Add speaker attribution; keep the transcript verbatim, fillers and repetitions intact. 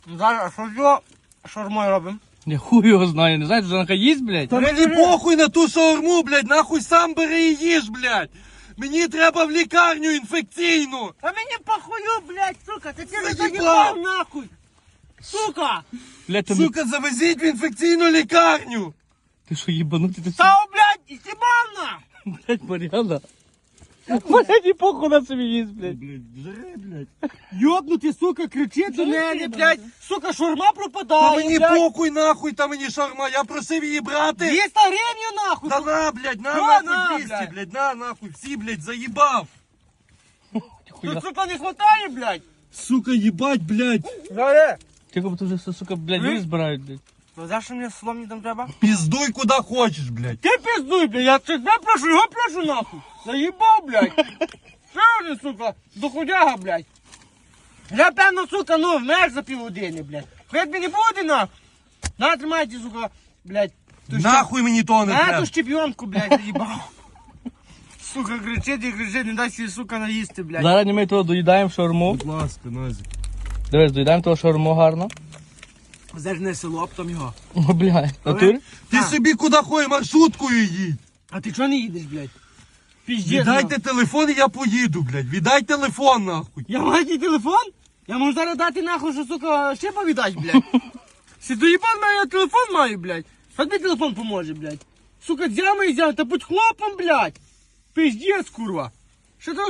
Speaker 1: Зараз, що його шаурмою робимо?
Speaker 2: Я хуй його знаю, не знаєте, що їсть, блядь?
Speaker 3: Та мені похуй на ту шаурму, блядь, нахуй сам бери і їж, блядь. Мені треба в лікарню інфекційну.
Speaker 1: А мені похую, блядь, сука, ти тебе
Speaker 3: Заїбав.
Speaker 1: заїбав нахуй! Сука!
Speaker 2: Блядь, ти,
Speaker 3: Сука, завезіть в інфекційну лікарню.
Speaker 2: ти що, їбанутий? Ти
Speaker 1: Та, блядь, істібав на!
Speaker 2: блядь, Мар'яна. Блядь, і похуй на собі їсть, блядь.
Speaker 3: Блядь, жри, блядь.
Speaker 1: Йобнути, сука, кричить до мене, блядь. Сука, шаурма
Speaker 3: Та
Speaker 1: пропадає,
Speaker 3: мені
Speaker 1: блядь.
Speaker 3: похуй нахуй, та мені шарма, я просив її брати.
Speaker 1: двісті гривень нахуй.
Speaker 3: Та на, блядь, на,
Speaker 1: На,
Speaker 3: нахуй
Speaker 1: на,
Speaker 3: двісті,
Speaker 1: блядь.
Speaker 3: блядь, на, нахуй, всі, блядь, заїбав.
Speaker 1: Тут, сука, не хватає, блядь.
Speaker 3: Сука, їбать, блядь.
Speaker 1: Заре.
Speaker 2: Тільки б тут вже, сука, блядь, люди збирають, блядь.
Speaker 1: Ну, за що мені словом не там треба?
Speaker 3: Піздуй куди хочеш, блядь.
Speaker 1: Ти пиздуй, блядь, я тебе прошу, його прошу нахуй. Заїбав, блядь. Що вони, сука, доходяга, блядь. Я, певно, сука, ну, вмер за півгодини, блядь. Хоч мені буде, нахуй. На, тримайте, сука, блядь. ту щеп-
Speaker 3: Нахуй мені то не
Speaker 1: На
Speaker 3: треба.
Speaker 1: ту щепіонку, блядь, заїбав. Сука, кричить і кричить, не дай собі, сука, наїсти, блядь.
Speaker 2: Зараз ми того доїдаємо шаурму.
Speaker 3: Будь ласка, Назік.
Speaker 2: Дивись, доїдаємо того шаурму гарно.
Speaker 1: Зерне село, потім його.
Speaker 2: О, блядь, натурі?
Speaker 3: Ти
Speaker 1: А.
Speaker 3: собі куди ходиш, маршруткою їдь.
Speaker 1: А ти чого не їдеш, блядь? Піздець.
Speaker 3: Віддайте
Speaker 1: нахуй.
Speaker 3: телефон і я поїду, блядь. Віддай телефон, нахуй.
Speaker 1: Я маю твій телефон? Я можу зараз дати нахуй, що, сука, ще повідать, блядь. Си доїбан маю, я телефон маю, блядь. Що тобі телефон поможе, блядь? Сука, дзями і дзями, та будь хлопом, блядь. Пиздец, курва. Що ти